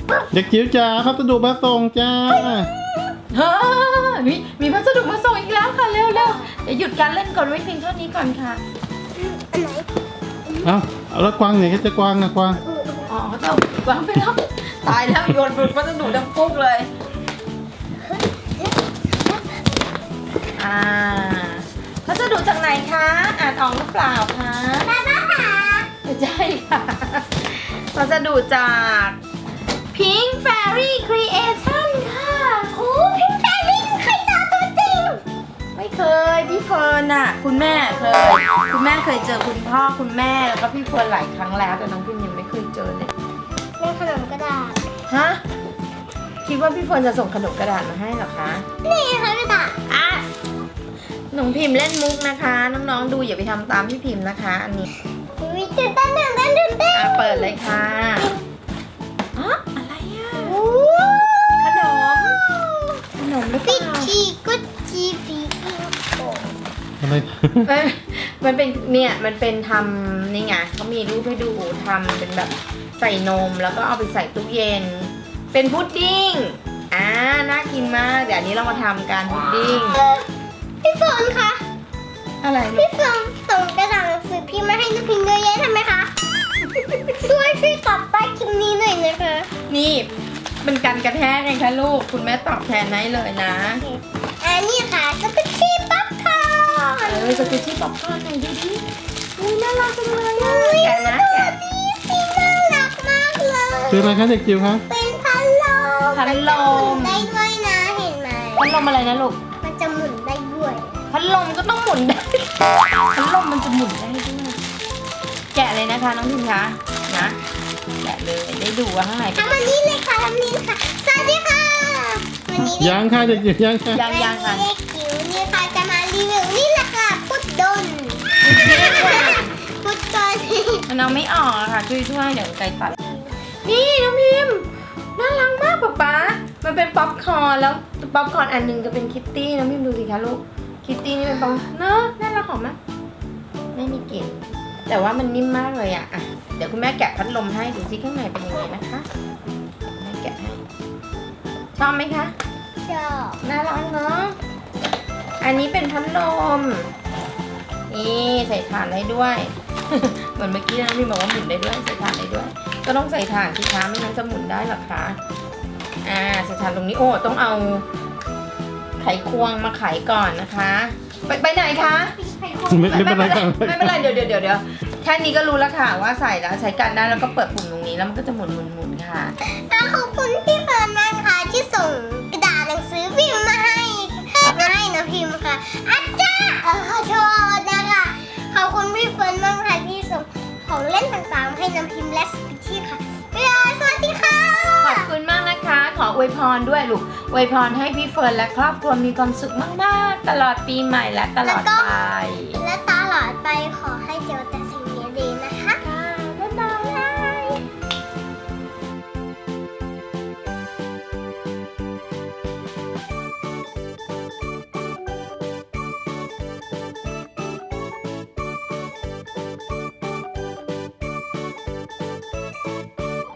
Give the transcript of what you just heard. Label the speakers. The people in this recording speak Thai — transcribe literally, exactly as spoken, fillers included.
Speaker 1: เด็กจิ๋วจ๋าพัสดุมาส่งจ้า
Speaker 2: เฮ้ยมีมีพัสดุมาส่งอีกแล้วค่ะเร็วเร็วเดี๋ยวหยุดการเล่นก่อนไว้เพียงเท่านี้ก่อนค่ะ
Speaker 3: อันไหน
Speaker 1: เอ้าเอาแล้วกวางไหนก็จะกวางนะกวาง
Speaker 2: อ๋อเจ้าวางไปแล้วตายแล้วโยนพัสดุดังปุ๊กเลยอ่าพัสดุจากไหนคะอ่านออกหรือเปล่าคะ
Speaker 3: ป้าป้าค่ะ
Speaker 2: ไม่ใช่ค่ะพัสดุจาก Pink Fairy Creation ค่ะ
Speaker 3: โอ้พิงแฟรี่เคยเจอตัวจริง
Speaker 2: ไม่เคยพี่เฟิร์นน่ะคุณแม่เคยคุณแม่เคยเจอคุณพ่อคุณแม่แล้วก็พี่เฟิร์นหลายครั้งแล้วแต่น้องพิมยังไม่เคยเจอเลย
Speaker 3: เล่นขนมกระดาษ
Speaker 2: ฮะคิดว่าพี่เฟิร์นจะส่งขนมกระดาษมาให้เหรอคะ
Speaker 3: นี่ค่ะกระดาษ
Speaker 2: อ่ะน้องพิมพ์เล่นมุกนะคะ น้องๆดูอย่าไปทำตามพี่พิมพ์นะคะ อันนี้
Speaker 3: วิตื่นเต้นตื่นเต้นตื่นเต้น
Speaker 2: อ่ะเปิดเลยค่ะอ๋ออะไรอ่ะ
Speaker 3: โอ้
Speaker 2: ขนมขนมหรือเป
Speaker 3: ฟิ
Speaker 2: ล่า
Speaker 3: ชีกุจีฟีฟิโอ
Speaker 1: อะไร
Speaker 2: เอ้ยมันเป็นเนี่ยมันเป็นทำนี่ไงเขามีรูปให้ดูทำเป็นแบบใส่นมแล้วก็เอาไปใส่ตู้เย็น เป็นพุดดิ้งอ่าน่ากินมากเดี๋ยวอันนี้เรามาทำการพุดดิ้ง
Speaker 3: พี่ฝนคะ
Speaker 2: อะไรลู
Speaker 3: พี่
Speaker 2: ก
Speaker 3: ฝนส่งกระดาษหนังสือพิมพ์มาให้น้องพิมพ์เยอะแยะทำไมคะ ช่วยช่วยตอบใต้คลิปนี้หน่อยนะคะ
Speaker 2: นี่เป็นการกระแทกไงคะลูกคุณแม่ตอบแทนให้เลยนะ
Speaker 3: อันนี้ค่ะสกุชชี่ป๊อปคอร์น
Speaker 2: เออสกุชชี่ป๊อปคอร์นหน่อยดิดิอุ้ยน่ารักจังเลยอะ
Speaker 3: อุ๊ย
Speaker 2: แกะนะแกะ
Speaker 3: ดีสิน่ารักมากเลย
Speaker 1: คืออะไรคะเด็กจิ๋วคะ
Speaker 3: เป็นพัดลม
Speaker 2: พัดลม
Speaker 3: มันจะหมุนได้ด้วยนะเห็นไหม
Speaker 2: พัดลมอะไรนะลูก
Speaker 3: มันจะหมุนได้ด้วย
Speaker 2: พัดลมก็ต้องหมุนได้ พัดลมมันจะหมุนได้ด้วยแกะเลยนะคะน้องพิมคะนะแกะเลยได้ดูว่าข้างในเป็น
Speaker 3: ทำอันนี้เลยค่ะทำนี้ค่ะสวัสดีค่ะวันนี้
Speaker 1: ยังค่ะเด็กจิ๋วยังค่ะ
Speaker 2: ยังยังค่ะ
Speaker 3: วันนี้เด็กจิ๋วนี่ค่ะจะมารีวิวนี่แหละค่ะพุดดนพุดดน
Speaker 2: มันเอาไม่ออกอะค่ะช่วยช่วยๆเดี๋ยวไกลตัด นี่น้องพิมพ์น่ารักมากป๊าป๊ามันเป็นป๊อปคอร์นแล้วป๊อปคอร์นอันหนึงจะเป็นคิตตี้น้องพิมพ์ดูสิคะลูกคิตตี้นี่เป็นป๊อปเนอะน่ารักหอมไหมไม่มีกลิ่นแต่ว่ามันนิ่มมากเลยอะอ่ะเดี๋ยวคุณแม่แกะพัดลมให้ดูสิข้างในเป็นยังไงนะคะแม่แกะให้ชอบไหมคะ
Speaker 3: ชอบ
Speaker 2: น่ารักเนาะอันนี้เป็นพัดลมนี่ใส่ถ่านได้ด้วย เหมือนเมื่อกี้นะพี่บอกว่าหมุนได้ด้วยใส่ถ่านได้ด้วย ก็ต้องใส่ถ่านสิคะไม่งั้นจะหมุนได้หรอคะอ่าใส่ถ่านตรงนี้โอ้ต้องเอาไขควงมาไขก่อนนะคะ ไปไปไหนคะ
Speaker 1: ไม่ไม่เป็นไรค่ะ
Speaker 2: ไม่เป็นไรเดี๋ยวเดี๋ยวเดี๋ยวเดี๋ยวแค่นี้ก็รู้แล้วค่ะว่าใส่แล้วใช้กันได้แล้วก็เปิดปุ่มตรงนี้แล้วมันก็จะหมุนหมุนหมุนค่ะ
Speaker 3: แล้วขอบคุณพี่เฟิร์นมากค่ะที่ส่งกระดาษหนังสือพิมพ์มาให้มาให้น้องพิมพ์ค่ะอาจารย์เออขอโทษนะคะขอบคุณพี่เฟิร์นมากค่ะที่ส่งของเล่นต่างๆมาให้น้องพิมพ์และสปิชชี่ค่ะเวลาสวัสดีค่ะ
Speaker 2: ขอบคุณมากนะคะ ขออวยพรด้วยลูกอวยพรให้พี่เฟิร์นและครอบครัวมีความสุขมากๆ ตลอดปีใหม่และตลอดไป
Speaker 3: และตลอดไปขอให้เจอแต่